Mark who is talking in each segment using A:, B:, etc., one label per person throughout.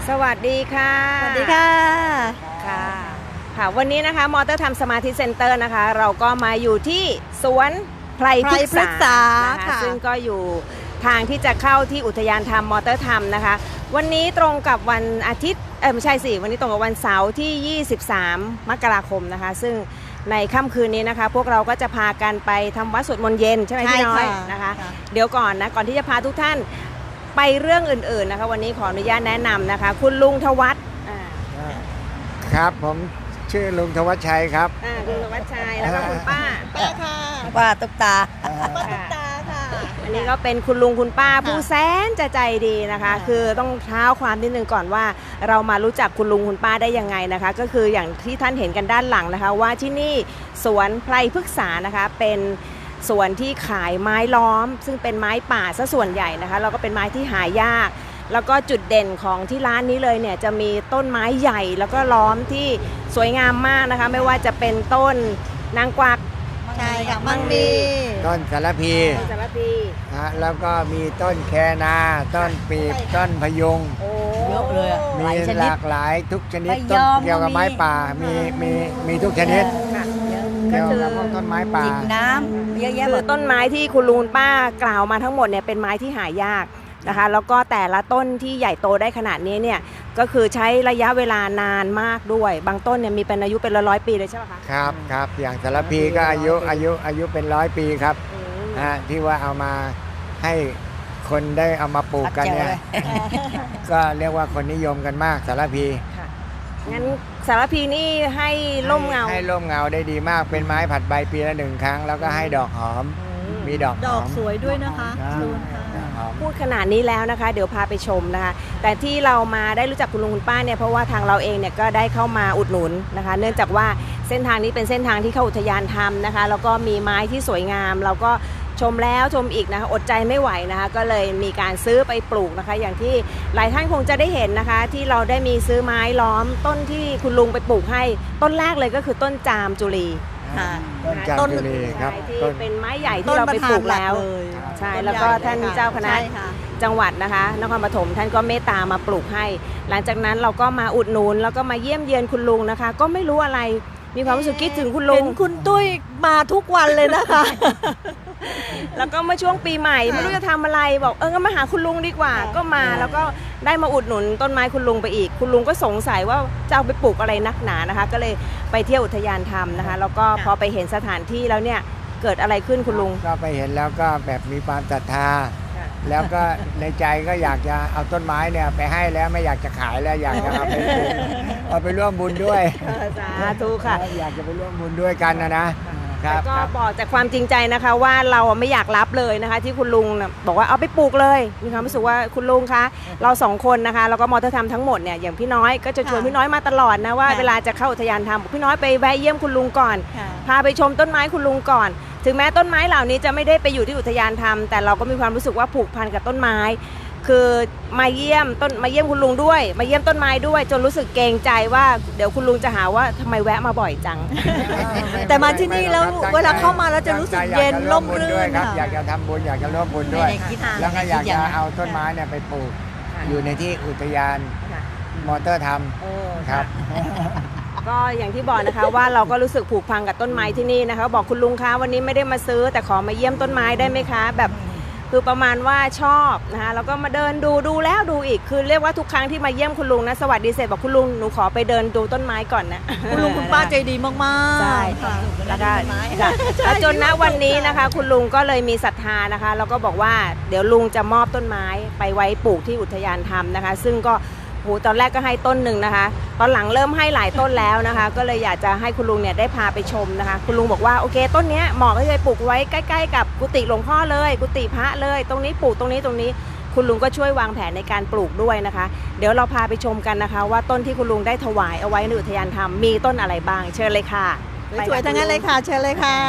A: สวัสดีค่ะ
B: สวัสดีค่ะ
A: ค่ะวันนี้นะคะมอเตอร์ทำสมาธิเซ็นเตอร์นะคะเราก็มาอยู่ที่สวนไพรพฤกษานะคะซึ่งก็อยู่ทางที่จะเข้าที่อุทยานธรรมมอเตอร์ธรรมนะคะวันนี้ตรงกับวันอาทิตย์ไม่ใช่สิวันนี้ตรงกับวันเสาร์ที่23มกราคมนะคะซึ่งในค่ำคืนนี้นะคะพวกเราก็จะพากันไปทำวัดสวดมนต์เย็นใช่ไหมพี่น้อยนะคะเดี๋ยวก่อนที่จะพาทุกท่านไปเรื่องอื่นๆนะคะวันนี้ขออนุญาตแนะนำนะคะคุณลุงธวัช
C: ครับผมชื่อลุงธวัชชัยครับ
A: ลุงธวัชชัยแล้วก็คุณป้า
B: ค่ะป้าตุ๊กตา
A: ค่ะอันนี้ก็เป็นคุณลุงคุณป้าผู้แสนจะใจดีนะคะคือต้องเท้าความนิดนึงก่อนว่าเรามารู้จักคุณลุงคุณป้าได้ยังไงนะคะก็คืออย่างที่ท่านเห็นกันด้านหลังนะคะว่าที่นี่สวนไพรพฤกษานะคะเป็นสวนที่ขายไม้ล้อมซึ่งเป็นไม้ป่าซะส่วนใหญ่นะคะแล้วก็เป็นไม้ที่หายากแล้วก็จุดเด่นของที่ร้านนี้เลยเนี่ยจะมีต้นไม้ใหญ่แล้วก็ล้อมที่สวยงามมากนะคะไม่ว่าจะเป็นต้นนางกวัก
B: ใช่ค่ะมังมี
C: ต้นสารพีแล้วก็มีต้นแคนาต้นปีบต้นพยุง
B: เยอะเลย
C: มีหลากหลายทุกชนิดต้นเกี่ยวกับไม้ป่ามีทุกชนิดเกี่ยวกับต้นไม้ป่า
B: จิบน้ำเยอะแยะหมด
A: ต้นไม้ที่คุณลุงป้ากล่าวมาทั้งหมดเนี่ยเป็นไม้ที่หายากนะคะแล้วก็แต่ละต้นที่ใหญ่โตได้ขนาดนี้เนี่ยก็คือใช้ระยะเวลานานมากด้วยบางต้นเนี่ยมีเป็นอายุเป็นร้อยปีเลยใช่ไหมคะ
C: ครับอย่างสารพีก็อายุเป็น100 ปีครับที่ว่าเอามาให้คนได้เอามาปลูกกันเนี่ยก็เรียกว่าคนนิยมกันมากสารพี
A: งั้นสารพีนี่ให้ร่มเงา
C: ได้ดีมากเป็นไม้ผัดใบปีละ1 ครั้งแล้วก็ให้ดอกหอมมีดอก
B: สวยด้วยนะคะ
A: พูดขนาดนี้แล้วนะคะเดี๋ยวพาไปชมนะคะแต่ที่เรามาได้รู้จักคุณลุงคุณป้าเนี่ยเพราะว่าทางเราเองเนี่ยก็ได้เข้ามาอุดหนุนนะคะเนื่องจากว่าเส้นทางนี้เป็นเส้นทางที่เข้าอุทยานธรรมนะคะแล้วก็มีไม้ที่สวยงามเราก็ชมแล้วชมอีกนะคะอดใจไม่ไหวนะคะก็เลยมีการซื้อไปปลูกนะคะอย่างที่หลายท่านคงจะได้เห็นนะคะที่เราได้มีซื้อไม้ล้อมต้นที่คุณลุงไปปลูกให้ต้นแรกเลยก็คือต้นจามจุลี
C: ต้นจุลีครับ
A: ที่เป็นไม้ใหญ่ที่เราไปปลูกแล้วใช่แล้วก็ท่านเจ้าคณะจังหวัดนะคะนครปฐมท่านก็เมตตามาปลูกให้หลังจากนั้นเราก็มาอุดหนุนแล้วก็มาเยี่ยมเยือนคุณลุงนะคะก็ไม่รู้อะไรมีความรู้สึกคิดถึงคุณลุง
B: เห็นคุณตุ้ยมาทุกวันเลยนะคะ
A: แล้วก็เมื่อช่วงปีใหม่ไม่รู้จะทำอะไรบอกก็มาหาคุณลุงดีกว่าก็มาแล้วก็ได้มาอุดหนุนต้นไม้คุณลุงไปอีกคุณลุงก็สงสัยว่าจะเอาไปปลูกอะไรนักหนานะคะก็เลยไปเที่ยวอุทยานธรรมนะคะแล้วก็พอไปเห็นสถานที่แล้วเนี่ยเกิดอะไรขึ้นคุณลุง
C: ก็ไปเห็นแล้วก็แบบมีความศรัทธาแล้วก็ในใจก็อยากจะเอาต้นไม้เนี่ยไปให้แล้วไม่อยากจะขายแล้วอยากจะเอาไปร่วมบุญด้วย
A: สาธุค่ะ
C: อยากจะไปร่วมบุญด้วยกันนะ
A: ก็บอกจากความจริงใจนะคะว่าเราไม่อยากรับเลยนะคะที่คุณลุงบอกว่าเอาไปปลูกเลยมีความรู้สึกว่าคุณลุงคะเรา2 คนนะคะแล้วก็มอเตอร์ธรรมทั้งหมดเนี่ยอย่างพี่น้อยก็จะชวนพี่น้อยมาตลอดนะว่าเวลาจะเข้าอุทยานธรรมพี่น้อยไปแวะเยี่ยมคุณลุงก่อนพาไปชมต้นไม้คุณลุงก่อนถึงแม้ต้นไม้เหล่านี้จะไม่ได้ไปอยู่ที่อุทยานธรรมแต่เราก็มีความรู้สึกว่าผูกพันกับต้นไม้คือมาเยี่ยมคุณลุงด้วยมาเยี่ยมต้นไม้ด้วยจนรู้สึกเกรงใจว่าเดี๋ยวคุณลุงจะหาว่าทำไมแวะมาบ่อยจัง
B: แต่มาที่นี่แล้วเวลาเข้ามาแล้วจะรู้สึกเย็นร่มรื่น
C: ครับอยากจะทำบุญอยากจะร่วมบุญด้วยแล้วก็อยากจะเอาต้นไม้เนี่ยไปปลูกอยู่ในที่อุทยานมอเตอร์ธรรมครับ
A: ก็อย่างที่บอกนะคะว่าเราก็รู้สึกผูกพันกับต้นไม้ที่นี่นะคะบอกคุณลุงคะวันนี้ไม่ได้มาซื้อแต่ขอมาเยี่ยมต้นไม้ได้ไหมคะแบบคือประมาณว่าชอบนะคะแล้วก็มาเดินดูแล้วดูอีกคือเรียกว่าทุกครั้งที่มาเยี่ยมคุณลุงนะสวัสดีเสร็จบอกคุณลุงหนูขอไปเดินดูต้นไม้ก่อนนะ
B: คุณลุงคุณป้าใจดีมากๆ
A: ใช่แล้วก็จนณวันนี้นะคะคุณลุงก็เลยมีศรัทธานะคะแล้วก็บอกว่าเดี๋ยวลุงจะมอบต้นไม้ไปไว้ปลูกที่อุทยานธรรมนะคะซึ่งก็ตอนแรกก็ให้ต้นหนึ่งนะคะตอนหลังเริ่มให้หลายต้นแล้วนะคะก็เลยอยากจะให้คุณลุงเนี่ยได้พาไปชมนะคะคุณลุงบอกว่าโอเคต้นนี้เหมาะก็จะปลูกไว้ใกล้ๆกับกุฏิหลวงพ่อเลยกุฏิพระเลยตรงนี้ปลูกตรงนี้คุณลุงก็ช่วยวางแผนในการปลูกด้วยนะคะเดี๋ยวเราพาไปชมกันนะคะว่าต้นที่คุณลุงได้ถวายเอาไว้ในอุทยานธรรมมีต้นอะไรบ้างเชิญเลยค่ะ
B: สวยทั้งนั้นเลยค่ะเชิญเลยค่ะ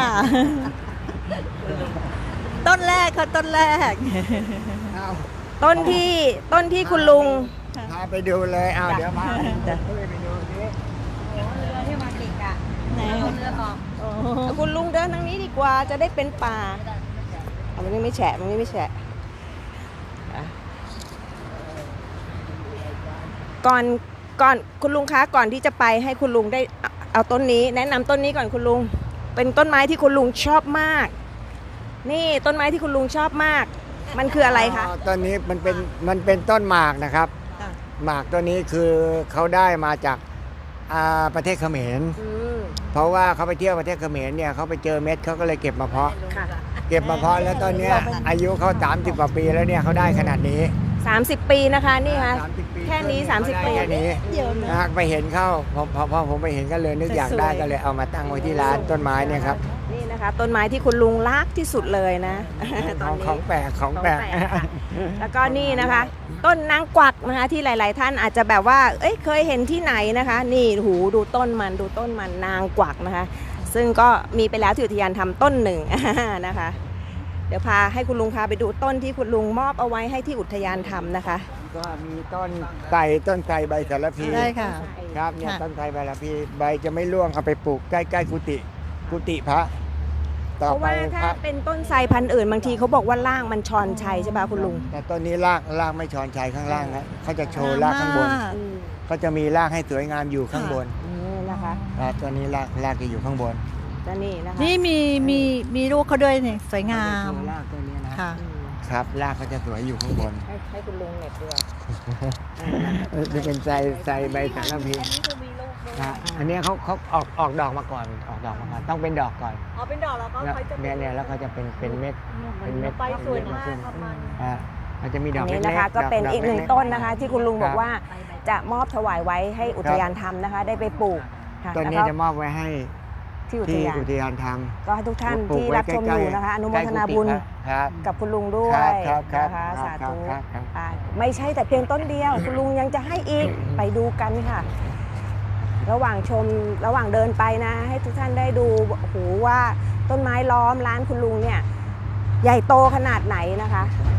B: ต้นแรกค่ะต้นแรก
A: ต้นที่คุณลุง
C: พาไปดูเลยเดี๋ยวมาไปดูนี่
A: เรือที่มาติดอะเรือออกคุณลุงเดินทางนี้ดีกว่าจะได้เป็นป่ามันไม่แฉะก่อนคุณลุงคะก่อนที่จะไปให้คุณลุงได้เอาต้นนี้ แนะนำต้นนี้ก่อนคุณลุง เป็นต้นไม้ที่คุณลุงชอบมาก นี่ต้นไม้ที่คุณลุงชอบมาก มันคืออะไรคะ
C: ต้นนี้มันเป็นต้นหมากนะครับ
B: ค่ะ
C: หมากตัวนี้คือเขาได้มาจากประเทศเขมร เพราะว่าเขาไปเที่ยวประเทศเขมรเนี่ยเขาไปเจอเม็ดเขาก็เลยเก็บมาเพาะ
A: ค่ะ
C: เก็บมาเพาะแล้วตอนเนี้ยอายุเขา30กว่าปีแล้วเนี่ยเขาได้ขนาดนี้
A: 30 ปีนะคะนี่ค่ะ
C: 30 ปี
A: แค่นี้30 ปี
C: แค่นี้
B: เดี๋ยวนะ
C: ไปเห็นเข้าพอผมไปเห็นก็เลยนึกอยากได้ก็เลยเอามาตั้งไว้ที่ร้านต้นไม้เนี่ยครับ
A: นี่นะคะ ต้นไม้ที่คุณลุงรักที่สุดเลยนะ ตอนนี้
C: ของแปลกของแปลก
A: ค่ะแล้วก็นี่นะคะ ต้นนางกวักนะคะที่หลาย ๆ ท่านอาจจะแบบว่าเคยเห็นที่ไหนนะคะ นี่หูดูต้นมันนางกวักนะคะ ซึ่งก็มีไปแล้วที่อุทยานทำต้นหนึ่ง นะคะ เดี๋ยวพาให้คุณลุงพาไปดูต้นที่คุณลุงมอบเอาไว้ให้ที่อุทยานทำนะคะ
C: ก็มีต้นไทรใบสารพี
B: ได้ค่ะ
C: ครับเนี่ย
B: ค่ะ
C: ต้นไทรใบสารพีใบจะไม่ร่วงเอาไปปลูกใกล้ๆกุฏิพระต่อ
A: เพราะ
C: ไป
A: ว่า
C: พ
A: ถ้า
C: ระ
A: เป็นต้นไทรพันธุ์อื่นบางทีเขาบอกว่าล่างมันชอนชัยใช่ป่ะคุณลุง
C: แต่ต้นนี้รากไม่ชอนชัยข้างล่างนะเขาจะโชว์รากข้างบน เขาจะมีรากให้สวยงามอยู่ข้างบน
A: นี่นะคะ
C: ครับตัวนี้รากจะอยู่ข้างบน
A: และนี่นะคะ
B: นี่มีลูกเขาด้วยเนี่ยสวยงาม
C: เขจะโชว์รากตัวนี้นะ
B: ค่ะ
A: อืม
C: ครับรากเขาจะสวยอยู่ข้างบน
A: ให้คุณลุงเหน็บด้วย
C: จะเป็นไทรใบสารพีครับอันนี้เขาออกดอกมาก่อนต้องเป็นดอกก่อน
B: อ๋อเป็นดอกแล้วก็
C: แล้ว
B: เขาจะ
C: เนี่ยแล้วเขาจะเป็นเม็ดเป็นเม็ด
B: ไปสวยมาก
C: ขึ้น
B: ประมาณ
C: มันจะมีด
A: อั
C: อก
A: นนี้
C: เล็กๆ
A: นะคะก็เป็น
C: ด
A: อีกหนึ่ง
C: ล็ๆ
A: ต้นนะคะ ที่คุณลุง
C: ครับ
A: บอกว่าจะมอบถวายไว้ให้อุทยานทำนะคะ ได้ไปปลูกค่ะ
C: ต้น
A: แล้ว
C: นี้
A: ก็
C: จะมอบไว้ให้
A: ที่อุท
C: ที่
A: ยาน
C: อุทยานท
A: ก็ให้ทุก
C: ำ
A: ท่าน
C: ปลูก
A: ที่
C: ไว้
A: รับชม
C: ใกล้
A: อยู่
C: ๆ
A: นะคะ อนุโม
C: ใกล้
A: ท
C: กุฏิ
A: นาบุญ
C: ครับ
A: กับคุณลุงด้วย
C: ครับ
A: นะคะ
C: ครับ
A: สาธุ
C: ครับ
A: ไม่ใช่แต่เพียงต้นเดียว คุณลุงยังจะให้อีกไปดูกันค่ะ ระหว่างเดินไปนะ ให้ทุกท่านได้ดูโอ้โหว่าต้นไม้ล้อมร้านคุณลุงเนี่ย ใหญ่โตขนาดไหนนะคะ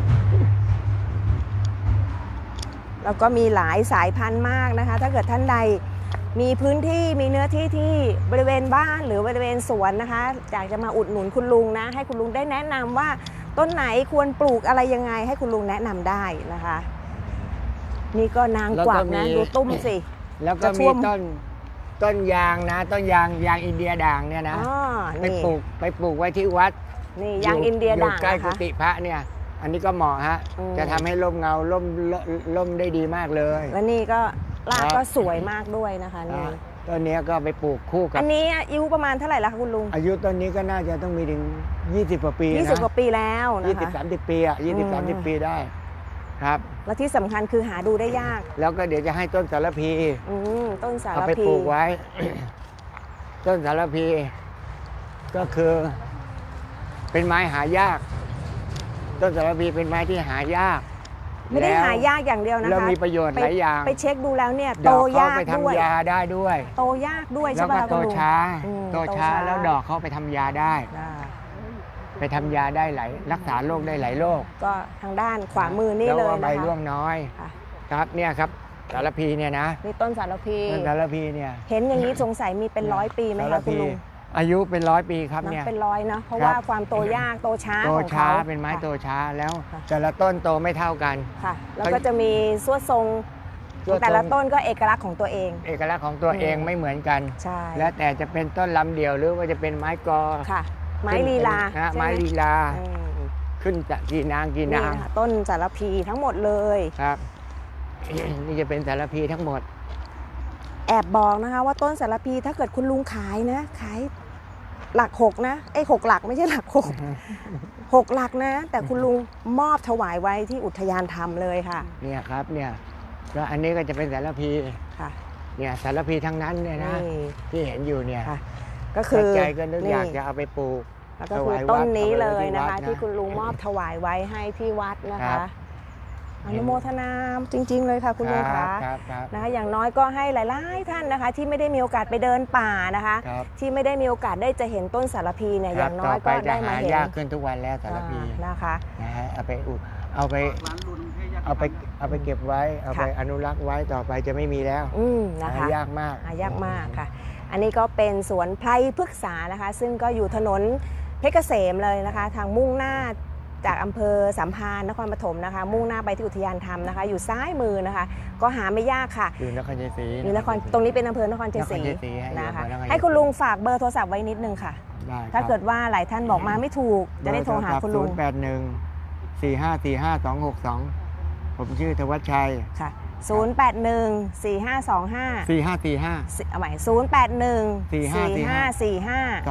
A: แล้วก็มีหลายสายพันธุ์มากนะคะ ถ้าเกิดท่านใดมีพื้นที่มีเนื้อที่ที่บริเวณบ้านหรือบริเวณสวนนะคะอยากจะมาอุดหนุนคุณลุงนะ ให้คุณลุงได้แนะนำว่าต้นไหนควรปลูกอะไรยังไง ให้คุณลุงแนะนำได้นะคะ นี่ก็นางกวักนะดูตุ้มสิ
C: แล้วก็
A: จะท่
C: มี
A: วม
C: ต้นยางนะต้นยางอินเดียด่างเนี่ยนะ
A: อ๋อ
C: ไป
A: นี่
C: ปลูกไว้ที่วัด
A: นี่ยางอินเดียด่าง
C: ใกล้
A: นะ
C: กุ
A: คะ
C: ฏิพระเนี่ย อันนี้ก็เหมาะฮะ
A: อืม
C: จะทำให้ร่มเงาร่มได้ดีมากเลย
A: และนี่ก็ราก
C: ครับ
A: ก็สวยมากด้วยนะคะนี่
C: นะต้นเนี้ยก็ไปปลูกคู่กับ
A: อันนี้อายุประมาณเท่าไหร่ละคะคุณลุง
C: อายุต้นนี้ก็น่าจะต้องมีถึง20กว่าปีนะ
A: 20 กว่าปีแล้วนะคะ
C: 20-30 ปีอ่ะ20-30 ปีได้ครับ
A: และที่สำคัญคือหาดูได้ยาก
C: แล้วก็เดี๋ยวจะให้ต้นสารพี
A: ต้นสาร
C: เอาไป
A: พี
C: ปลูกไว้ ต้นสารพี ก็คือเป็นไม้หายาก ต้นสารพีเป็นไม้ที่หายาก
A: ไม่ได้
C: แล้ว
A: หายากอย่างเดียวนะคะ
C: แล้วมีประโยชน์หลายอย่าง
A: ไปเช็คดูแล้วเนี่ย
C: ด
A: โต
C: อกเขา
A: ยาก
C: ไป
A: ด้วย
C: ทำยาได้ด้วย
A: โตยากด้วย
C: แล้
A: ใช่
C: ว
A: ป่ะ
C: ก็
A: คะ
C: โต
A: คุณลุง
C: ช้า
A: อืม
C: โตช้าแล้วดอกเขาไปทำยาได้
A: อ่า
C: ไปทำยาได้รักษาโรคได้หลายโรค
A: ก็ทางด้านขวามือนี่
C: แล้ว
A: เลย
C: ว่าใบ
A: นะคะ
C: ร่วงน้อย
A: ค่ะ
C: ครับเนี่ยครับสารพีเนี่ยนะ
A: นี่ต้นสารพี
C: ต้นสารพีเนี่ย
A: เห็นอย่างนี้สงสัยมีเป็น100 ปีไหม
C: สาร
A: คะคุณ
C: พี
A: ลุง
C: อายุเป็น100 ปีครับ
A: นับ
C: เนี่ย
A: เป็น100นะเพราะ
C: ครับ
A: ว่าความโตยากโตช้า
C: โต
A: ของ
C: ช้า
A: เขา
C: เป็นไม้
A: ค่ะ
C: โตช้าแล้ว
A: ค่ะ
C: แต่ละต้นโตไม่เท่ากัน
A: ค่ะ แล้วก็จะมีสวดทรงของแต่ละต้นก็เอกลักษณ์ของตัวเอง
C: เอกลักษณ์ของตัวเองไม่เหมือนกัน
A: ใช่
C: แล้วแต่จะเป็นต้นลำเดียวหรือว่าจะเป็นไม้กอ
A: ค่ะ ไม้ลีลา
C: นะ
A: ใช่ห
C: ไม้ลีลา
A: อืม
C: ขึ้นจากกี่นาง
A: นี่ค่ะต้นสารพีทั้งหมดเลย
C: ครับ นี่จะเป็นสารพีทั้งหมด
A: แอบบอกนะคะว่าต้นสารพีถ้าเกิดคุณลุงขายนะขายหลัก6นะ6หลักไม่ใช่หลัก6 หลักนะ แต่คุณลุงมอบถวายไว้ที่อุทยานธรรมเลยค่ะ
C: เนี่ยครับเนี่ยแล้วอันนี้ก็จะเป็นสารพี
A: ค่ะ
C: เนี่ยสารพีทั้งนั้นเนี่ยนะ
A: นี่
C: ที่เห็นอยู่เนี่ย
A: ค่ะ ก็คือ
C: ใจก็นึกอยากจะเอาไปปลูก
A: แล้วก็คือต้นนี้เลยนะคะ
C: ถวายวัด
A: ที่คุณลุงมอบถวายไว้ให้ที่วัดนะ
C: ครั
A: คะ
C: บ
A: อนุโมทนาจริง ๆ เลยค่ะคุณลุง
C: ครั
A: คะ
C: บครับครับ
A: นะคะอย่างน้อยก็ให้หลายๆท่านนะคะ ที่ไม่ได้มีโอกาสไปเดินป่านะคะ
C: ครับ
A: ที่ไม่ได้มีโอกาสได้จะเห็นต้นสารพีเนี่ยอย่างน้อยก็ได้มาเห็น
C: ยากขึ้นทุกวันแล้วสารพี
A: นะคะ
C: นะฮะเอาไปเก็บไว้เอาไป
A: ค่ะ
C: อนุรักษ์ไว้ต่อไปจะไม่มีแล้ว
A: นะคะ
C: หายากมาก
A: หายากมากค่ะ อันนี้ก็เป็นสวนไพรพฤกษานะคะ ซึ่งก็อยู่ถนนเพชรเกษมเลยนะคะ ทางมุ่งหน้าจากอำเภอสัมพันธ์นครปฐมนะคะมุ่งหน้าไปที่อุทยานธรรมนะคะอยู่ซ้ายมือนะคะก็หาไม่ยากค่ะ
C: อยู่นครชัยศรี
A: อยู่นครตรงนี้เป็นอำเภอนครชัยศรี
C: นครชัยศรี
A: นะคะ
C: อำเภอนครชัยศรี
A: ให้คุณลุงฝากเบอร์โทรศัพท์ไว้นิดนึงค่ะ
C: ได้ครับ
A: ถ้าเกิดว่าหลายท่านบอกมาไม่ถูกจะได้โทรหาคุณลุง
C: 081-4545-262 ผมชื่อธวัชชัย
A: ค่ะ 081-4525
C: 4545
A: เอาใหม่081-4545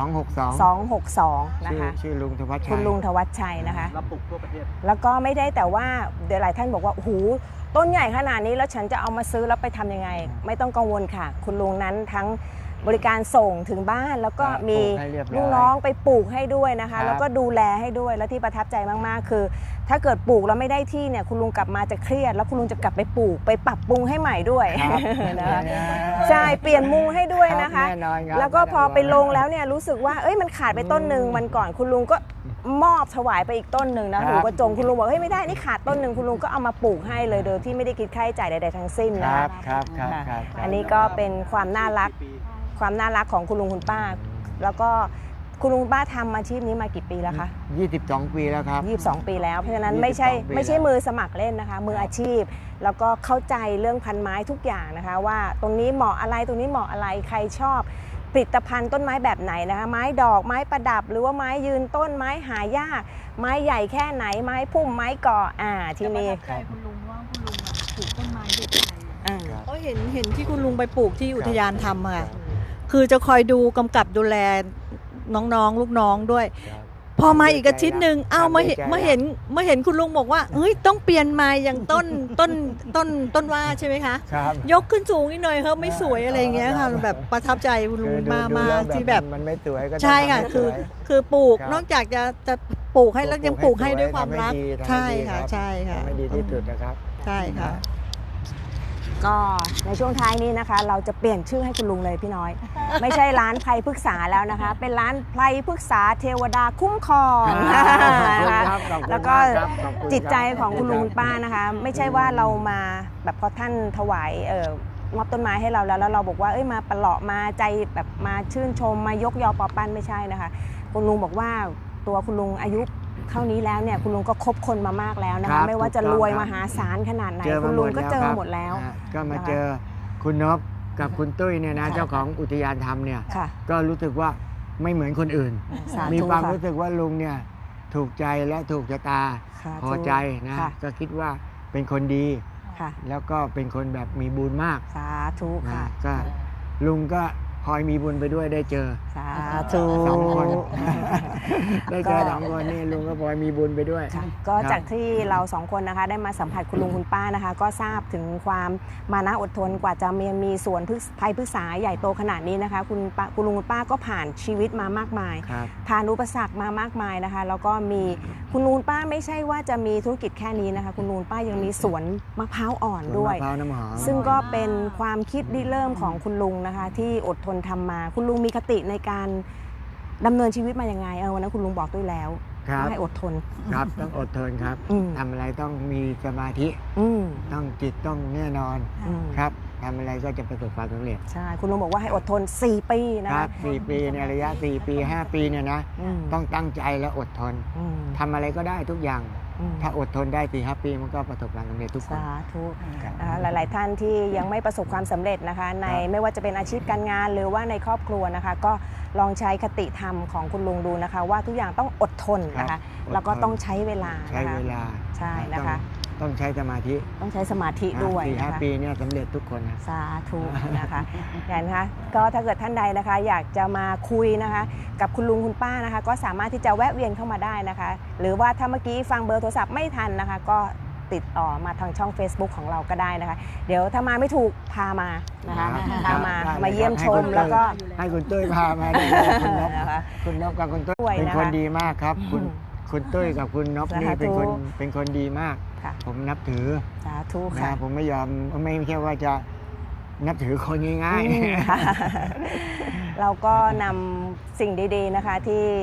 C: 262
A: นะคะ
C: ชื่อลุงธวัชชัย
A: คุณลุงธวัชชัยนะคะ
D: รับปลูกทั่วประเทศ
A: แล้วก็ไม่ได้แต่ว่าเดี๋ยวหลายท่านบอกว่าโอ้โหต้นใหญ่ขนาดนี้แล้วฉันจะเอามาซื้อแล้วไปทำยังไง ไม่ต้องกังวลค่ะ คุณลุงนั้นทั้งบริการส่งถึงบ้านแล้วก็มี
C: ปลูกให้เรียบร้อย
A: ลูกน้องไปปลูกให้ด้วยนะ
C: ครั
A: คะ
C: บ
A: แล้วก็ดูแลให้ด้วยแล้วที่ประทับใจมากๆคือ ถ้าเกิดปลูกแล้วไม่ได้ที่เนี่ยคุณลุงกลับมาจะเครียดแล้วคุณลุงจะกลับไปปลูกไปปรับปรุงให้ใหม่ด้วย
C: ครับ
A: นะคะใช่เปลี่ยนมุงให้ด้วยนะคะ
C: แน่นอนครับ
A: แล้วก็พอไปลงแล้วเนี่ยรู้สึกว่าเอ้ยมันขาดไปต้นหนึ่งวันก่อนคุณลุงก็มอบถวายไปอีกต้นหนึ่งนะหูกระจงคุณลุงบอกเฮ้ยไม่ได้นี่ขาดต้นหนึ่งคุณลุงก็เอามาปลูกให้เลยโดยที่ไม่ได้คิดค่าใช้จ่ายใดๆทั้งสิ้น
C: ค
A: นะ
C: รั
A: คะ
C: บครับครับ
A: ค่ะ
C: ครับ
A: อันนี้ก็เป็นความน่ารักของคุณลุงคุณป้า แล้วก็คุณลุงคุณป้าทำอาชีพนี้มากี่ปีแล้วคะ
C: 22 ปีแล้วครับ
A: 22 ปีแล้วเพราะฉะนั้น
C: 22
A: ไม่ใช่
C: ปี
A: ไม่ใช่
C: แล้ว
A: มือสมัครเล่นนะคะ มืออาชีพ แล้วก็เข้าใจเรื่องพันไม้ทุกอย่างนะคะ ว่าตรงนี้เหมาะอะไรตรงนี้เหมาะอะไรใครชอบผลิตภัณฑ์ต้นไม้แบบไหนนะคะไม้ดอกไม้ประดับ หรือว่าไม้ยืนต้นไม้หายาก ไม้ใหญ่แค่ไหนไม้พุ่มไม้ก่อที่นี่
B: แต่ประทับใจคุณลุงว่าคุณลุงปลูกต้นไม้ด้วยใจ
C: ครับ
B: ก็เห็นที่คุณลุงไปปลูกที่อุทยานทำค่ะคือจะคอยดูกำกับดูแลน้องๆลูกน้องด้วย
C: ครับ
B: พอมาอีกอาทิตย์หนึ่งอ้าวมาเห็น
C: ดีใจ
B: มาเห็นคุณลุงบอกว่าเฮ้ยต้องเปลี่ยนไม้อย่างต้นว่าใช่ไหมคะ
C: ครับ
B: ยกขึ้นสูงนิดหน่อยครับไม่สวยอะไรอย่างเงี้ยค่ะแบบประทับใจคุณลุง
C: คือดู
B: มาก
C: แล้ว
B: ๆที่แบบ
C: มันไม่สวยก็ต้อง
B: ใช่ค่ะ
C: ทำให้
B: คือ
C: สวย
B: คือปลูก
C: ครับ
B: นอกจากจะปลูกให้แล้วยังปลูกให้ด้วยความ
C: ทำให้
B: รัก
C: ดีทำให้
B: ใช่
C: ดี
B: ค่ะ
C: รับ
B: ใช่ค่ะ
C: ทำให้ดีที่สุดนะครับ
B: ใช่ค่ะ
A: ก็ในช่วงท้ายนี้นะคะ เราจะเปลี่ยนชื่อให้คุณลุงเลยพี่น้อย ไม่ใช่ร้านไพรพฤกษาแล้วนะคะ เป็นร้านไพรพฤกษาเทวดาคุ้มครอง
C: ครับขอบคุณ
A: แล้วก็
C: มากครับขอบคุณ
A: จิตใจ
C: ครับ
A: ของคุณลุงคุณป้านะคะ ไม่ใช่ว่าเรามาแบบพอท่านถวายมอบต้นไม้ให้เราแล้วเราบอกว่าเอ้ยมาประหลาะมาใจแบบมาชื่นชมมายกยอปอปั้นไม่ใช่นะคะ คุณลุงบอกว่าตัวคุณลุงอายุเท่านี้แล้วเนี่ยคุณลุงก็คบคนมามากแล้วนะ
C: ครั
A: คะ
C: บ
A: ไม่ว่าจะ
C: ถูกต้อง
A: รวย
C: ครับ
A: มหาศาลขนาดไหน
C: เจอ
A: คุ
C: มา
A: ณ
C: ห
A: ลุ
C: ม
A: ง
C: ด
A: ก็
C: แล้ว
A: เจอ
C: ครับ
A: หมดแล้ว
C: ก็มา
A: นะคะ
C: เจอคุณนพกับคุณตุ้ยเนี่ยนะ
A: ค่ะ
C: เจ้าของอุทยานธรรมเนี่ย
A: ค่ะ
C: ก็รู้สึกว่าไม่เหมือนคนอื่น
A: สาธุ
C: มีความ
A: ค่ะ
C: รู้สึกว่าลุงเนี่ยถูกใจและถูกชะตา
A: ค่ะ
C: พอใจนะ
A: ค่ะ
C: ก็คิดว่าเป็นคนดี
A: ค่ะ
C: แล้วก็เป็นคนแบบมีบุญมาก
A: สาธุ
C: นะ
A: ค่ะ
C: ก็ลุงก็พลอยมีบุญไปด้วยได้เจอ
A: สาธุ
C: สองคน ได้เจอสองคนนี่ลุงก็พลอยมีบุญไปด้วย
A: ค่ะก็จากที่เราสองคนนะคะได้มาสัมผัสคุณลุงคุณป้านะคะ ก็ทราบถึงความมานะอดทนกว่าจะมีสวนไผ่พฤกษาใหญ่โตขนาดนี้นะคะคุณลุงคุณป้าก็ผ่านชีวิตมามากมาย
C: ครับ
A: ผ่านอุปสรรคมามากมายนะคะ แล้วก็มีคุณลุงป้าไม่ใช่ว่าจะมีธุรกิจแค่นี้นะคะ คุณลุงป้ายังมีสวนมะพร้าวอ่อนด้วย
C: มะพร้าวน้ำหอม
A: ซึ่งก็เป็นความคิดริเริ่มของคุณลุงนะคะ ที่อดทนทำมา คุณลุงมีคติในการดำเนินชีวิตมาอย่างไงวันนั้นคุณลุงบอกด้วยแล้ว
C: ครับ
A: ให้อดทน
C: ครับต้องอดทนครับ
A: อืม
C: ทำอะไรต้องมีสมาธิ
A: อืม
C: ต้องจิตต้องแน่นอน
A: อืม
C: ครับทำอะไรก็จะประสบความสำเร็จ
A: ใช่คุณลุงบอกว่าให้อดทน 4 ปีนะครับ
C: 4 ปีในระยะ 4 ปี 5 ปีเนี่ยนะ
A: ม
C: ต้องตั้งใจและอดทน
A: อืม
C: ทำอะไรก็ได้ทุกอย่าง
A: อืม
C: ถ้าอดทนได้ 4-5 ปีมันก็ประสบความสำเร็จทุกคน
A: สาธุ
C: ครับ
A: นะคะหลาย ๆ ท่านที่ยังไม่ประสบความสำเร็จนะคะ ใน
C: ครับ
A: ไม่ว่าจะเป็นอาชีพการงานหรือว่าในครอบครัวนะคะ ก็ลองใช้คติธรรมของคุณลุงดูนะคะ ว่าทุกอย่างต้องอดทนนะคะ แล้วก็ต้องใช้เวลา
C: ใช้
A: นะคะ
C: เวลา
A: ใช่นะคะ
C: ต้องใช้สมาธิ
A: ต้องใช้สมาธิด้วย
C: 4-5
A: นะคะ
C: ปีเนี่ยสำเร็จทุกคนนะ
A: สาธุนะคะอย่างนะคะก็ถ้าเกิดท่านใดนะคะ อยากจะมาคุยนะคะ กับคุณลุงคุณป้านะคะ ก็สามารถที่จะแวะเวียนเข้ามาได้นะคะ หรือว่าถ้าเมื่อกี้ฟังเบอร์โทรศัพท์ไม่ทันนะคะ ก็ติดต่อมาทางช่อง Facebook ของเราก็ได้นะคะ เดี๋ยวถ้ามาไม่ถูกพามานะคะ
C: ครับ
A: พามา
C: ได้
A: มาเยี่ยมชม
C: ให้คุณ
A: แล้วก็
C: ให้คุณตุ้ยพามาได้เลยคุณนพ
A: นะคะ
C: คุณนพกับคุณตุ้ย
A: ด้วย
C: เป็น
A: นะคะ
C: คนดีมากครับ คุณตุ้ยกับคุณนพนี่
A: สาธุ
C: เป็นคนดีมาก
A: ค่ะ
C: ผมนับถือ
A: สาธุ
C: นะ
A: ค่ะ
C: ผมไม่ยอมไม่ใช่ว่าจะนับถือคนง่าย
A: อืมค่ะ เราก็นำสิ่งดีๆนะคะที่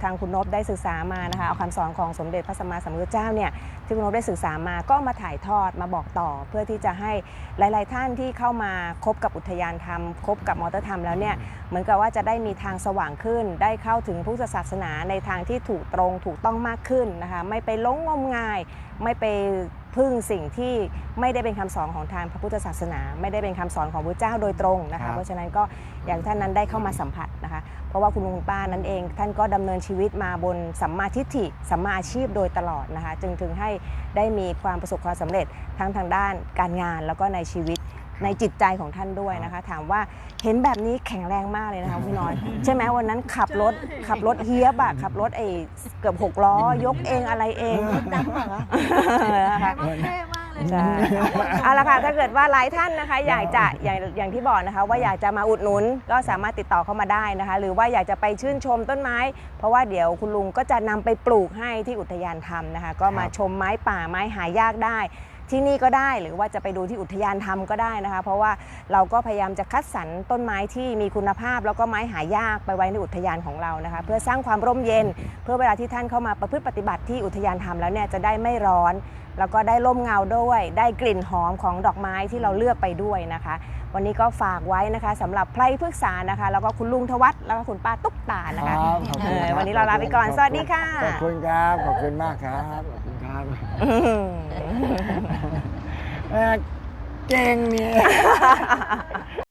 A: ทางคุณนพได้ศึกษามานะคะเอาคำสอนของสมเด็จพระสัมมาสัมพุทธเจ้าเนี่ยที่คุณนพได้ศึกษามาก็มาถ่ายทอดมาบอกต่อ เพื่อที่จะให้หลายๆท่านที่เข้ามาคบกับอุทยานธรรมคบกับมอเตอร์ธรรมแล้วเนี่ยเหมือนกับว่าจะได้มีทางสว่างขึ้นได้เข้าถึงพุทธศาสนาในทางที่ถูกตรงถูกต้องมากขึ้นนะคะไม่ไปหลงงมงายไม่ไปพึ่งสิ่งที่ไม่ได้เป็นคำสอนของทางพระพุทธศาสนาไม่ได้เป็นคำสอนของพระเจ้าโดยตรงนะ
C: ครั
A: คะ
C: บ
A: เพราะฉะนั้นก็อย่างท่านนั้นได้เข้ามาสัมผัสนะคะเพราะว่าคุณลุงคุณป้านั้นเองท่านก็ดำเนินชีวิตมาบนสัมมาทิฏฐิสัมมาอาชีพโดยตลอดนะคะจึงถึงให้ได้มีความประสบความสำเร็จทั้งทางด้านการงานแล้วก็ในชีวิตในจิตใจของท่านด้วยนะคะถามว่าเห็นแบบนี้แข็งแรงมากเลยนะคะพี่น้อย ใช่ไหมวันนั้นขับรถเฮียบอะขับรถเกือบ6 ล้อยกเองอะไรเองนะคะ ใช่เอาละค่ะถ้าเกิดว่าหลายท่านนะคะอยากจะอย่างที่บอกนะคะว่าอยากจะมาอุดหนุนก็สามารถติดต่อเข้ามาได้นะคะหรือว่าอยากจะไปชื่นชมต้นไม้ เพราะว่าเดี๋ยวคุณลุงก็จะนำไปปลูกให้ที่อุทยานธรรมนะคะก็มาชมไม้ป่าไม้หายากได้ที่นี่ก็ได้หรือว่าจะไปดูที่อุทยานธรรมก็ได้นะคะเพราะว่าเราก็พยายามจะคัดสรรต้นไม้ที่มีคุณภาพแล้วก็ไม้หายากไปไว้ในอุทยานของเรานะคะเพื่อสร้างความร่มเย็นเพื่อเวลาที่ท่านเข้ามาประพฤติปฏิบัติที่อุทยานธรรมแล้วเนี่ยจะได้ไม่ร้อนแล้วก็ได้ร่มเงาด้วยได้กลิ่นหอมของดอกไม้ที่เราเลือกไปด้วยนะคะวันนี้ก็ฝากไว้นะคะสำหรับไพรพฤกษานะคะแล้วก็คุณลุงทวัฒน์แล้วก็คุณป้าตุ๊กตานะคะ
C: ครับขอบคุณครับ
A: วันนี้เราลาไปก่อนสวัสดีค่ะ
C: ขอบคุณครับขอบคุณมากครับขอบคุณครับเก่งเนี่ย